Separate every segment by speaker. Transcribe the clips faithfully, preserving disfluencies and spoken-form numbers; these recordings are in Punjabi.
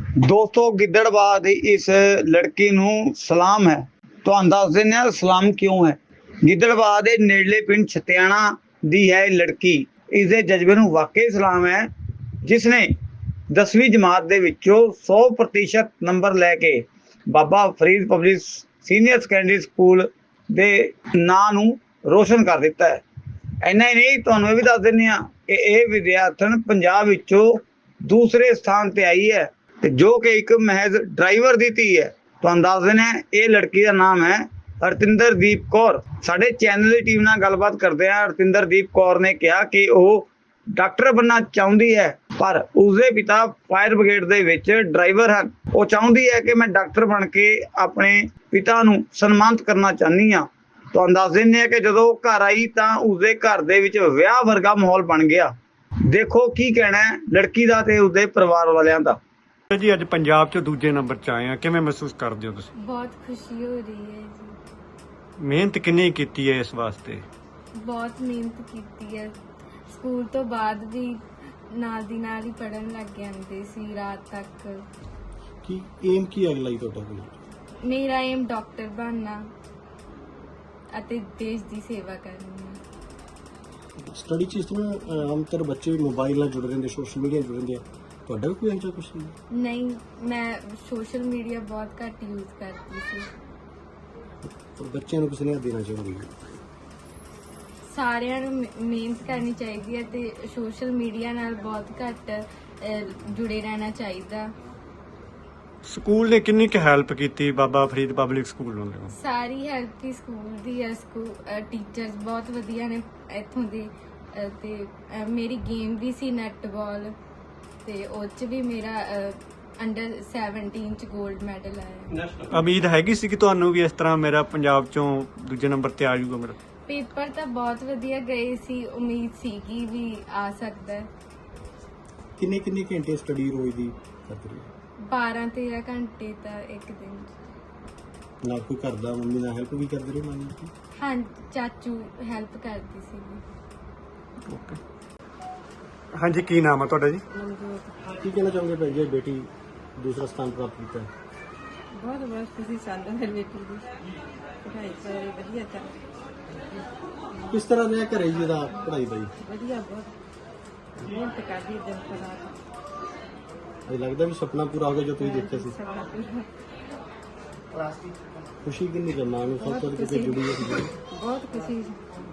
Speaker 1: ਦੋਸਤੋ ਗਿੱਦੜਬਾਹ ਦੀ ਇਸ ਲੜਕੀ ਨੂੰ ਸਲਾਮ ਹੈ। ਤੁਹਾਨੂੰ ਦੱਸ ਦਿੰਦੇ ਹਾਂ ਸਲਾਮ ਕਿਉਂ ਹੈ। ਗਿੱਦੜਬਾਹ ਦੇ ਨੇੜਲੇ ਪਿੰਡ ਛਤਿਆਣਾ ਦੀ ਹੈ ਇਹ ਲੜਕੀ। ਇਸ ਦੇ ਜਜ਼ਬੇ ਨੂੰ ਵਾਕਈ ਸਲਾਮ ਹੈ, ਜਿਸ ਨੇ ਦਸਵੀਂ ਜਮਾਤ ਦੇ ਵਿੱਚੋਂ ਸੌ ਪ੍ਰਤੀਸ਼ਤ ਨੰਬਰ ਲੈ ਕੇ Baba Farid public senior secondary school ਦੇ ਨਾਂ ਨੂੰ ਰੋਸ਼ਨ ਕਰ ਦਿੱਤਾ ਹੈ। ਇੰਨਾ ਹੀ ਨਹੀਂ, ਤੁਹਾਨੂੰ ਇਹ ਵੀ ਦੱਸ ਦਿੰਦੇ ਹਾਂ ਕਿ ਇਹ ਵਿਦਿਆਰਥਣ ਪੰਜਾਬ ਵਿੱਚੋਂ ਦੂਸਰੇ ਸਥਾਨ ਤੇ ਆਈ ਹੈ, ਤੇ ਜੋ ਕਿ ਇੱਕ ਮਹਿਜ਼ ਡਰਾਈਵਰ ਦੀ ਧੀ ਹੈ। ਤੁਹਾਨੂੰ ਦੱਸ ਦਿੰਦੇ ਹਾਂ ਇਹ ਲੜਕੀ ਦਾ ਨਾਮ ਹੈ ਹਰਤਿੰਦਰਦੀਪ ਕੌਰ। ਸਾਡੇ ਚੈਨਲ ਦੀ ਟੀਮ ਨਾਲ ਗੱਲਬਾਤ ਕਰਦੇ ਹਾਂ। ਹਰਤਿੰਦਰਦੀਪ ਕੌਰ ਨੇ ਕਿਹਾ ਕਿ ਉਹ ਡਾਕਟਰ ਬਣਨਾ ਚਾਹੁੰਦੀ ਹੈ, ਪਰ ਉਸਦੇ ਪਿਤਾ ਫਾਇਰ ਬ੍ਰਿਗੇਡ ਦੇ ਵਿੱਚ ਡਰਾਈਵਰ ਹਨ। ਉਹ ਚਾਹੁੰਦੀ ਹੈ ਕਿ ਮੈਂ ਡਾਕਟਰ ਬਣ ਕੇ ਆਪਣੇ ਪਿਤਾ ਨੂੰ ਸਨਮਾਨਿਤ ਕਰਨਾ ਚਾਹੁੰਦੀ ਹਾਂ। ਤੁਹਾਨੂੰ ਦੱਸ ਦਿੰਦੇ ਹਾਂ ਕਿ ਜਦੋਂ ਘਰ ਆਈ ਤਾਂ ਉਸਦੇ ਘਰ ਦੇ ਵਿੱਚ ਵਿਆਹ ਵਰਗਾ ਮਾਹੌਲ ਬਣ ਗਿਆ। ਦੇਖੋ ਕੀ ਕਹਿਣਾ ਹੈ ਲੜਕੀ ਦਾ ਤੇ ਉਸਦੇ ਪਰਿਵਾਰ ਵਾਲਿਆਂ ਦਾ।
Speaker 2: ਜੀ ਅੱਜ ਪੰਜਾਬ 'ਚ ਦੂਜੇ ਨੰਬਰ 'ਚ ਆਏ ਆ, ਕਿਵੇਂ ਮਹਿਸੂਸ ਕਰਦੇ ਹੋ ਤੁਸੀਂ?
Speaker 3: ਬਹੁਤ ਖੁਸ਼ੀ ਹੋ ਰਹੀ ਹੈ ਜੀ।
Speaker 2: ਮਿਹਨਤ ਕਿੰਨੀ ਕੀਤੀ ਹੈ ਇਸ ਵਾਸਤੇ?
Speaker 3: ਬਹੁਤ ਮਿਹਨਤ ਕੀਤੀ ਹੈ। ਸਕੂਲ ਤੋਂ ਬਾਅਦ ਵੀ ਨਾਲ ਦੀ ਨਾਲ ਹੀ ਪੜ੍ਹਨ ਲੱਗ ਜਾਂਦੇ ਸੀ ਰਾਤ ਤੱਕ।
Speaker 4: ਕੀ ਏਮ ਕੀ ਹੈ ਅਗਲਾ ਹੀ ਤੁਹਾਡਾ ਕੋਈ?
Speaker 3: ਮੇਰਾ ਏਮ ਡਾਕਟਰ ਬਣਨਾ ਅਤੇ ਦੇਸ਼ ਦੀ ਸੇਵਾ ਕਰਨੀ ਹੈ।
Speaker 4: ਸਟੱਡੀ 'ਚ ਇਸ ਤਰ੍ਹਾਂ ਆਮ ਤੌਰ ਬੱਚੇ ਮੋਬਾਈਲ ਨਾਲ ਜੁੜ ਰਹਿੰਦੇ, ਸੋਸ਼ਲ ਮੀਡੀਆ ਨਾਲ ਜੁੜ ਰਹਿੰਦੇ ਆ, ਤੁਹਾਡਾ ਵੀ ਕੋਈ ਇਹੋ ਜਿਹਾ ਕੁਛ ਨਹੀਂ?
Speaker 3: ਨਹੀਂ, ਮੈਂ ਸੋਸ਼ਲ ਮੀਡੀਆ ਬਹੁਤ ਘੱਟ ਯੂਜ਼ ਕਰਦੀ ਸੀ।
Speaker 4: ਪਰ ਬੱਚਿਆਂ ਨੂੰ ਕਿਸੇ ਨੇ ਦੇਣਾ ਚਾਹੁੰਦੀ
Speaker 3: ਸਾਰਿਆਂ ਨੂੰ ਮਿ- ਮਿਹਨਤ ਕਰਨੀ ਚਾਹੀਦੀ ਹੈ ਤੇ ਸੋਸ਼ਲ ਮੀਡੀਆ ਨਾਲ ਬਹੁਤ ਘੱਟ ਅਹ, ਜੁੜੇ ਰਹਿਣਾ ਚਾਹੀਦਾ।
Speaker 2: ਸਕੂਲ ਨੇ ਕਿੰਨੀ ਕੁ ਹੈਲਪ ਕੀਤੀ ਬਾਬਾ ਫਰੀਦ ਪਬਲਿਕ ਸਕੂਲ ਨੂੰ?
Speaker 3: ਸਾਰੀ ਹੈਲਪ ਹੀ ਸਕੂਲ ਦੀ ਹੈ। ਸਕੂਲ ਟੀਚਰਸ ਬਹੁਤ ਵਧੀਆ ਨੇ ਇੱਥੋਂ ਦੇ, ਅਹ, ਤੇ ਅਹ, ਮੇਰੀ ਗੇਮ ਵੀ ਸੀ ਨੈਟਬਾਲ, ਤੇ ਉਹ 'ਚ ਵੀ ਮੇਰਾ ਅੰਡਰ ਸੈਵਨਟੀਨ 'ਚ 골ਡ ਮੈਡਲ ਆਇਆ।
Speaker 2: ਉਮੀਦ ਹੈਗੀ ਸੀ ਕਿ ਤੁਹਾਨੂੰ ਵੀ ਇਸ ਤਰ੍ਹਾਂ ਮੇਰਾ ਪੰਜਾਬ 'ਚੋਂ ਦੂਜੇ ਨੰਬਰ ਤੇ ਆ ਜਾਊਗਾ ਮੇਰਾ?
Speaker 3: ਪੇਪਰ ਤਾਂ ਬਹੁਤ ਵਧੀਆ ਗਏ ਸੀ, ਉਮੀਦ ਸੀਗੀ ਵੀ ਆ ਸਕਦਾ ਹੈ।
Speaker 4: ਕਿੰਨੇ ਕਿੰਨੇ ਘੰਟੇ ਸਟੱਡੀ ਰੋਜ਼ ਦੀ ਕਰਦੇ ਰਹੇ?
Speaker 3: ਬਾਰਾਂ ਤੇਰਾਂ ਘੰਟੇ ਤਾਂ ਇੱਕ ਦਿਨ 'ਚ।
Speaker 4: ਨਾਲ ਕੋਈ ਘਰ ਦਾ ਮੰਮੀ ਨਾਲ ਹੈਲਪ ਵੀ ਕਰਦੇ ਰਹੇ ਮੰਨ ਲਓ?
Speaker 3: ਹਾਂ, ਚਾਚੂ ਹੈਲਪ ਕਰਦੀ ਸੀ।
Speaker 2: ਓਕੇ, ਹਾਂਜੀ ਕੀ ਨਾਮ ਹੈ ਤੁਹਾਡਾ ਜੀ?
Speaker 4: ਕੀ ਕਹਿਣਾ ਚਾਹੋਗੇ ਭੈਣ ਜੀ, ਬੇਟੀ ਦੂਸਰਾ ਸਥਾਨ ਪ੍ਰਾਪਤ ਕੀਤਾ?
Speaker 5: ਬਹੁਤ ਬਹੁਤ ਖੁਸ਼ੀ ਸਾਨੂੰ ਹੈ ਬੇਟੀ ਦੀ ਪੜ੍ਹਾਈ ਕਰ ਰਹੀ ਵਧੀਆ ਚੱਲ
Speaker 4: ਕਿਸ ਤਰ੍ਹਾਂ ਰਿਹਾ ਘਰੇ ਜੀ ਦਾ ਪੜ੍ਹਾਈ ਦਾ ਜੀ?
Speaker 5: ਵਧੀਆ ਬਹੁਤ ਮਿਹਨਤ ਕਰਦੀ ਦਿਨ ਰਾਤ।
Speaker 4: ਇਹ ਲੱਗਦਾ ਵੀ ਸੁਪਨਾ ਪੂਰਾ ਹੋ ਗਿਆ ਜੋ ਤੁਸੀਂ ਦੇਖਿਆ ਸੀ?
Speaker 5: ਸਭ ਪੂਰਾ
Speaker 4: ਖੁਸ਼ੀ ਕਿੰਨੀ ਕੁ ਮਾਂ ਨੂੰ ਸਭ ਤੋਂ ਕਿਤੇ ਜੁੜੀ ਹੋਈ ਸੀ?
Speaker 5: ਬਹੁਤ ਖੁਸ਼ੀ।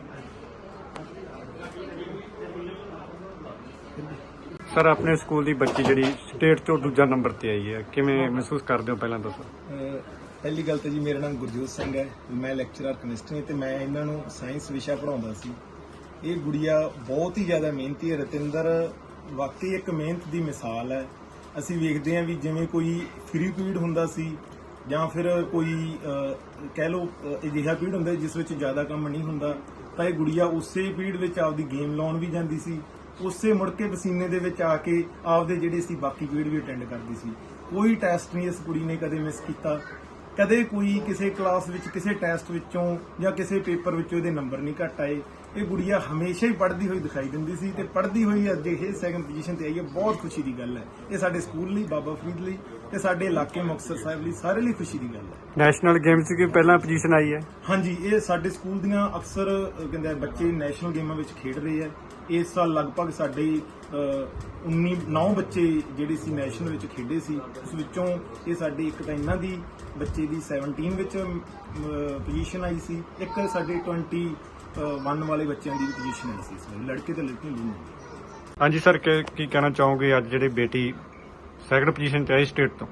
Speaker 2: ਸਰ ਆਪਣੇ ਸਕੂਲ ਦੀ ਬੱਚੀ ਜਿਹੜੀ ਸਟੇਟ ਤੋਂ ਦੂਜਾ ਨੰਬਰ ਤੇ ਆਈ ਹੈ, ਕਿਵੇਂ ਮਹਿਸੂਸ ਕਰਦੇ ਹੋ ਪਹਿਲਾਂ ਦੱਸੋ?
Speaker 6: ਅਹ ਪਹਿਲੀ ਗੱਲ ਤਾਂ ਜੀ ਮੇਰਾ ਨਾਮ ਗੁਰਜੋਤ ਸਿੰਘ ਹੈ, ਮੈਂ ਲੈਕਚਰਰ ਕੈਮਿਸਟਰੀ ਤੇ ਮੈਂ ਇਹਨਾਂ ਨੂੰ ਸਾਇੰਸ ਵਿਸ਼ਾ ਪੜ੍ਹਾਉਂਦਾ ਸੀ। ਇਹ ਗੁੜੀਆ ਬਹੁਤ ਹੀ ਜ਼ਿਆਦਾ ਮਿਹਨਤੀ ਹੈ। ਰਤਿੰਦਰ ਵਾਕਈ ਇੱਕ ਮਿਹਨਤ ਦੀ ਮਿਸਾਲ ਹੈ। ਅਸੀਂ ਵੇਖਦੇ ਹਾਂ ਵੀ ਜਿਵੇਂ ਕੋਈ ਫ੍ਰੀ ਪੀਰੀਅਡ ਹੁੰਦਾ ਸੀ ਜਾਂ ਫਿਰ ਕੋਈ ਅਹ, ਕਹਿ ਲਓ ਅਹ, ਅਜਿਹਾ ਪੀਰੀਅਡ ਹੁੰਦਾ ਜਿਸ ਵਿੱਚ ਜ਼ਿਆਦਾ ਕੰਮ ਨਹੀਂ ਹੁੰਦਾ, ਤਾਂ ਇਹ ਗੁੜੀਆ ਉਸੇ ਪੀਰੀਅਡ ਵਿੱਚ ਆਪਦੀ ਗੇਮ ਲਾਉਣ ਵੀ ਜਾਂਦੀ ਸੀ, ਉਸੇ ਮੁੜ ਕੇ ਪਸੀਨੇ ਦੇ ਵਿੱਚ ਆ ਕੇ ਆਪਦੇ ਜਿਹੜੇ ਸੀ ਬਾਕੀ ਪੀਰੀਅਡ ਵੀ ਅਟੈਂਡ ਕਰਦੀ ਸੀ। ਕੋਈ ਟੈਸਟ ਨਹੀਂ ਇਸ ਕੁੜੀ ਨੇ ਕਦੇ ਮਿਸ ਕੀਤਾ, ਕਦੇ ਕੋਈ ਕਿਸੇ ਕਲਾਸ ਵਿੱਚ ਕਿਸੇ ਟੈਸਟ ਵਿੱਚੋਂ ਜਾਂ ਕਿਸੇ ਪੇਪਰ ਵਿੱਚੋਂ ਇਹਦੇ ਨੰਬਰ ਨਹੀਂ ਘੱਟ ਆਏ। ਇਹ ਗੁੜੀਆ ਹਮੇਸ਼ਾ ਹੀ ਪੜ੍ਹਦੀ ਹੋਈ ਦਿਖਾਈ ਦਿੰਦੀ ਸੀ ਤੇ ਪੜ੍ਹਦੀ ਹੋਈ ਅੱਜ ਇਹ ਸੈਕੰਡ ਪੋਜੀਸ਼ਨ ਤੇ ਆਈ ਹੈ। ਬਹੁਤ ਖੁਸ਼ੀ ਦੀ ਗੱਲ ਹੈ। ਇਹ ਸਾਡੇ ਸਕੂਲ ਲਈ, ਬਾਬਾ ਫਰੀਦ ਲਈ ਤੇ ਸਾਡੇ ਇਲਾਕੇ ਮੁਕਤਸਰ ਸਾਹਿਬ ਲਈ ਸਾਰੇ ਲਈ ਖੁਸ਼ੀ ਦੀ ਗੱਲ ਹੈ।
Speaker 2: ਨੈਸ਼ਨਲ ਗੇਮਸ 'ਚ ਪਹਿਲਾਂ ਪੋਜੀਸ਼ਨ ਆਈ ਹੈ?
Speaker 6: ਹਾਂਜੀ, ਇਹ ਸਾਡੇ ਸਕੂਲ ਦੀਆਂ ਅਕਸਰ ਅਹ, ਕਹਿੰਦੇ ਆ, ਬੱਚੇ ਨੈਸ਼ਨਲ ਗੇਮਾਂ ਵਿੱਚ ਖੇਡ ਰਹੇ ਆ। ਇਸ ਸਾਲ ਲਗਭਗ ਸਾਡੇ ਉੱਨੀ ਨੌ ਬੱਚੇ ਜਿਹੜੇ ਸੀ ਨੈਸ਼ਨਲ ਵਿੱਚ ਖੇਡੇ ਸੀ। ਉਸ ਵਿੱਚੋਂ ਇਹ ਸਾਡੇ ਇੱਕ ਤਾਂ ਇਹਨਾਂ ਦੀ ਬੱਚੇ ਦੀ ਸੈਵਨਟੀਨ ਵਿੱਚ ਪੋਜੀਸ਼ਨ ਆਈ ਸੀ, ਇੱਕ ਸਾਡੇ ਟਵੈਂਟੀ ਵਨ ਵਾਲੇ ਬੱਚਿਆਂ ਦੀ ਪੋਜੀਸ਼ਨ ਆਈ ਸੀ। ਇਸ ਵਾਰ ਲੜਕੇ ਤੇ ਲੜਕੀਆਂ ਦੋਨੋਂ।
Speaker 2: ਹਾਂਜੀ ਸਰ, ਕੀ ਕੀ ਕਹਿਣਾ ਚਾਹੋਗੇ ਅੱਜ ਜਿਹੜੀ ਬੇਟੀ ਸੈਕੰਡ ਪੋਜੀਸ਼ਨ ਤੇ ਆਈ ਸਟੇਟ ਤੋਂ?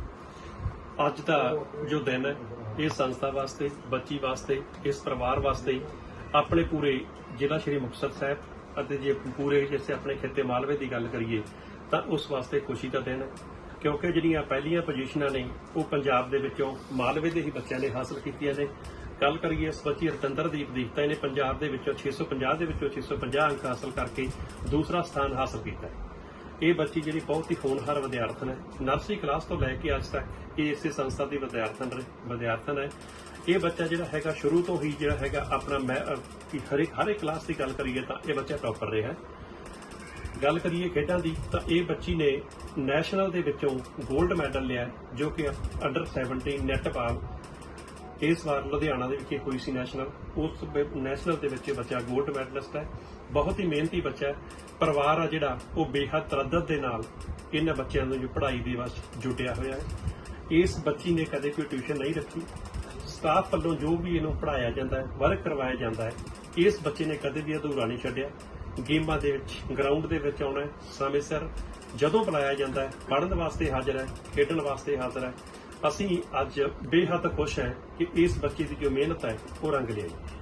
Speaker 7: ਅੱਜ ਦਾ ਜੋ ਦਿਨ ਹੈ ਇਹ ਸੰਸਥਾ ਵਾਸਤੇ, ਬੱਚੀ ਵਾਸਤੇ, ਇਸ ਪਰਿਵਾਰ ਵਾਸਤੇ, ਆਪਣੇ ਪੂਰੇ ਜ਼ਿਲ੍ਹਾ ਸ਼੍ਰੀ ਮੁਕਤਸਰ ਸਾਹਿਬ ਅਤੇ ਜੇ ਪੂਰੇ ਜਿਸੇ ਆਪਣੇ ਖਿੱਤੇ ਮਾਲਵੇ ਦੀ ਗੱਲ ਕਰੀਏ ਤਾਂ ਉਸ ਵਾਸਤੇ ਖੁਸ਼ੀ ਦਾ ਦਿਨ ਹੈ, ਕਿਉਂਕਿ ਜਿਹੜੀਆਂ ਪਹਿਲੀਆਂ ਪੋਜੀਸ਼ਨਾਂ ਨੇ ਉਹ ਪੰਜਾਬ ਦੇ ਵਿੱਚੋਂ ਮਾਲਵੇ ਦੇ ਹੀ ਬੱਚਿਆਂ ਨੇ ਹਾਸਲ ਕੀਤੀਆਂ ਨੇ। ਗੱਲ ਕਰੀਏ ਇਸ ਬੱਚੀ ਰਤਿੰਦਰਦੀਪ ਦੀ ਤਾਂ ਇਹਨੇ ਪੰਜਾਬ ਦੇ ਵਿੱਚੋਂ ਛੇ ਸੌ ਪੰਜਾਹ ਦੇ ਵਿੱਚੋਂ ਛੇ ਸੌ ਪੰਜਾਹ ਅੰਕ ਹਾਸਲ ਕਰਕੇ ਦੂਸਰਾ ਸਥਾਨ ਹਾਸਲ ਕੀਤਾ ਹੈ। ਇਹ ਬੱਚੀ ਜਿਹੜੀ ਬਹੁਤ ਹੀ ਹੋਣਹਾਰ ਵਿਦਿਆਰਥਣ ਹੈ। ਨਰਸਰੀ ਕਲਾਸ ਤੋਂ ਲੈ ਕੇ ਅੱਜ ਤੱਕ ਇਹ ਇਸੇ ਸੰਸਥਾ ਦੀ ਵਿਦਿਆਰਥਣ ਵਿਦਿਆਰਥਣ ਹੈ। ਇਹ ਬੱਚਾ ਜਿਹੜਾ ਹੈਗਾ ਸ਼ੁਰੂ ਤੋਂ ਹੀ ਜਿਹੜਾ ਹੈਗਾ ਆਪਣਾ ਮੈਂ ਹਰ ਇੱਕ ਹਰ ਇੱਕ ਕਲਾਸ ਦੀ ਗੱਲ ਕਰੀਏ ਤਾਂ ਇਹ ਬੱਚਾ ਟੌਪਰ ਰਿਹਾ ਹੈ। ਗੱਲ ਕਰੀਏ ਖੇਡਾਂ ਦੀ ਤਾਂ ਇਹ ਬੱਚੀ ਨੇ ਨੈਸ਼ਨਲ ਦੇ ਵਿੱਚੋਂ 골ਡ ਮੈਡਲ ਲਿਆ, ਜੋ ਕਿ ਅੰਡਰ ਸੈਵਨਟੀਨ ਨੈਟਬਾਲ ਇਸ ਵਾਰ ਲੁਧਿਆਣਾ ਦੇ ਵਿਖੇ ਹੋਈ ਸੀ ਨੈਸ਼ਨਲ। ਉਸ ਨੈਸ਼ਨਲ ਦੇ ਵਿੱਚ ਇਹ ਬੱਚਾ 골ਡ ਮੈਡਲਿਸਟ ਹੈ। ਬਹੁਤ ਹੀ ਮਿਹਨਤੀ ਬੱਚਾ ਹੈ। ਪਰਿਵਾਰ ਆ ਜਿਹੜਾ ਉਹ ਬੇਹੱਦ ਤਰੱਦਤ ਦੇ ਨਾਲ ਇਹਨਾਂ ਬੱਚਿਆਂ ਨੂੰ ਜੋ ਪੜ੍ਹਾਈ ਦੇ ਵਿੱਚ ਜੁਟਿਆ ਹੋਇਆ ਹੈ। ਇਸ ਬੱਚੀ ਨੇ ਕਦੇ ਕੋਈ ਟਿਊਸ਼ਨ ਨਹੀਂ ਰੱਖੀ। ਸਟਾਫ ਵੱਲੋਂ ਜੋ ਵੀ ਇਹਨੂੰ ਪੜ੍ਹਾਇਆ ਜਾਂਦਾ ਹੈ, ਵਰਕ ਕਰਵਾਇਆ ਜਾਂਦਾ ਹੈ, ਇਸ ਬੱਚੇ ਨੇ ਕਦੇ ਵੀ ਅਧੂਰਾ ਨਹੀਂ ਛੱਡਿਆ। ਗੇਮਾਂ ਦੇ ਵਿੱਚ ਗਰਾਊਂਡ ਦੇ ਵਿੱਚ ਆਉਣਾ ਹੈ, ਸਮੇਂ ਸਿਰ ਜਦੋਂ ਬੁਲਾਇਆ ਜਾਂਦਾ ਹੈ ਪੜ੍ਹਨ ਵਾਸਤੇ ਹਾਜ਼ਰ ਹੈ, ਖੇਡਣ ਵਾਸਤੇ ਹਾਜ਼ਰ ਹੈ। ਅਸੀਂ ਅੱਜ ਬੇਹੱਦ ਖੁਸ਼ ਹਾਂ ਕਿ ਇਸ ਬੱਚੇ ਦੀ ਜੋ ਮਿਹਨਤ ਹੈ ਉਹ ਰੰਗ ਲਿਆਈ।